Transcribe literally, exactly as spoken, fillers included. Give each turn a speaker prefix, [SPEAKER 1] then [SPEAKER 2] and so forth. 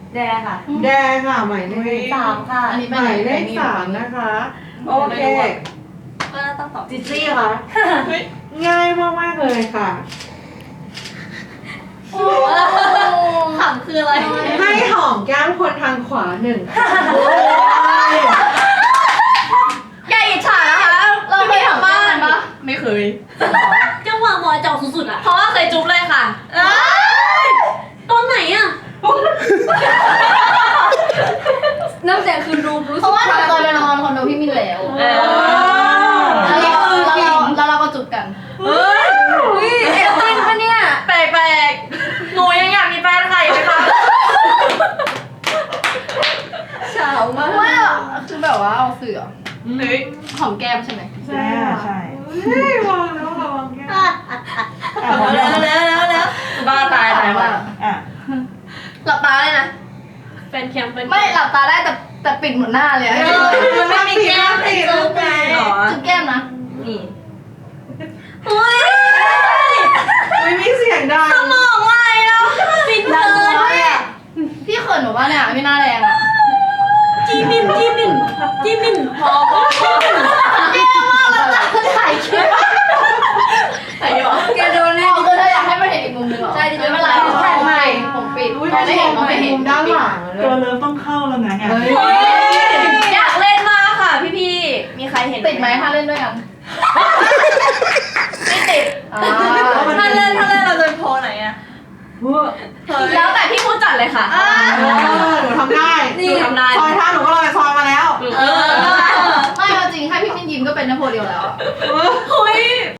[SPEAKER 1] แดค่ะ
[SPEAKER 2] แดงค่ะหมายเลข
[SPEAKER 1] สามค่ะ
[SPEAKER 3] อันนี้
[SPEAKER 2] หมายเลขสามนะคะโอเค
[SPEAKER 1] ก็ต้องตอบ
[SPEAKER 2] จิจี้ค่ะง่ายมากๆเลยค่ะ
[SPEAKER 1] ขำคืออะไร
[SPEAKER 2] ให้หอมแก้มคนทางขวาหนึ่ง
[SPEAKER 1] อย่าอิจฉานะคะ
[SPEAKER 3] เราเคยทำบ้านปะ
[SPEAKER 1] ไม่เคยจังหวะหมอจอกสุดๆอ่ะเพราะว่าเคยจุ๊บเลยค่ะตอนไหนอ่ะน้ำเสียงคือรูมรู้
[SPEAKER 3] เพ
[SPEAKER 1] สึก
[SPEAKER 3] ราะว่าหนูเคยไปนอนคอนโดพี่มินแล้ว
[SPEAKER 1] เออ
[SPEAKER 3] แล้วเราแล้วเราแล้วเราก็จุบกัน
[SPEAKER 1] เฮ้ยเอ็ดจริงปะเนี่ยแปลกๆหนูยังอยากมีแฟนค่ะอยู่ไหมคะเฉามาก
[SPEAKER 3] ว่าคือแบบว่าเอาเสือ
[SPEAKER 1] เฮ้ย
[SPEAKER 3] หอมแก้มใช่ไหม
[SPEAKER 2] ใช่ใช่เฮ้ยวางแล้วค่ะวางแก้ม
[SPEAKER 1] แล้วแล้วแล้วแล้วบ้าตายตายว่ะ
[SPEAKER 2] อ่ะ
[SPEAKER 3] หลับตาเลยนะ
[SPEAKER 1] เป็นแคมเป็น
[SPEAKER 3] ไม่หลับตาได้แต่แต่ปิดหมดหน้าเลยอะ
[SPEAKER 1] มันไม่มีแก้มให้จุ๊บไงหรอ
[SPEAKER 3] จุบแก้มนะ
[SPEAKER 1] นี่เฮ้ย
[SPEAKER 2] ไม่มีเสียงดัง
[SPEAKER 1] สมองไหลแล้วฟินเกิน
[SPEAKER 3] พี่เขินหนูว่าเนี่ยพี่หน้าแรงอะ
[SPEAKER 1] จีมินจีมินจีมินพอพอพอ
[SPEAKER 3] แย่มากแล้วจ้ะถ่ายคลิป
[SPEAKER 1] ไหนวะแกโดนแน่
[SPEAKER 3] เอาคือเธออยากให้มาเห็นอีกมุมหนึงเหรอ
[SPEAKER 1] ใช่ดิ
[SPEAKER 3] ไม่เป็นไรแค่ไม่ผมปิด
[SPEAKER 2] อุ้ย
[SPEAKER 3] มองไม่เห็นมอง
[SPEAKER 2] ไม่
[SPEAKER 3] ไม่
[SPEAKER 2] เห็
[SPEAKER 3] เห็
[SPEAKER 2] น
[SPEAKER 3] น
[SPEAKER 2] ด้านหลังเล
[SPEAKER 4] ตัวย เริ่มต้องเข้าแล้วนะเนี่ย
[SPEAKER 2] เฮ้ย
[SPEAKER 1] อยากเล่นมากค่ะพี่พี่มีใครเห็น
[SPEAKER 3] ติดไหมถ้าเล่นด้วยกัน
[SPEAKER 1] ไม่ติด
[SPEAKER 3] อ่า
[SPEAKER 1] ถ้าเล่นถ้าเล่นเราจะโพไหนอะแล้วแต่พี่ผู้จัดเลยค่ะ
[SPEAKER 2] เออหนูทำได้
[SPEAKER 1] นี่ทำได้
[SPEAKER 2] ซอยท่าหนูก็ลอยซอยมาแล้ว
[SPEAKER 1] เออ
[SPEAKER 3] ไม่เอาจริงให้พี่มินยิ้มก็เป็นนโปเลียนแล้วอะ
[SPEAKER 1] เฮ้ย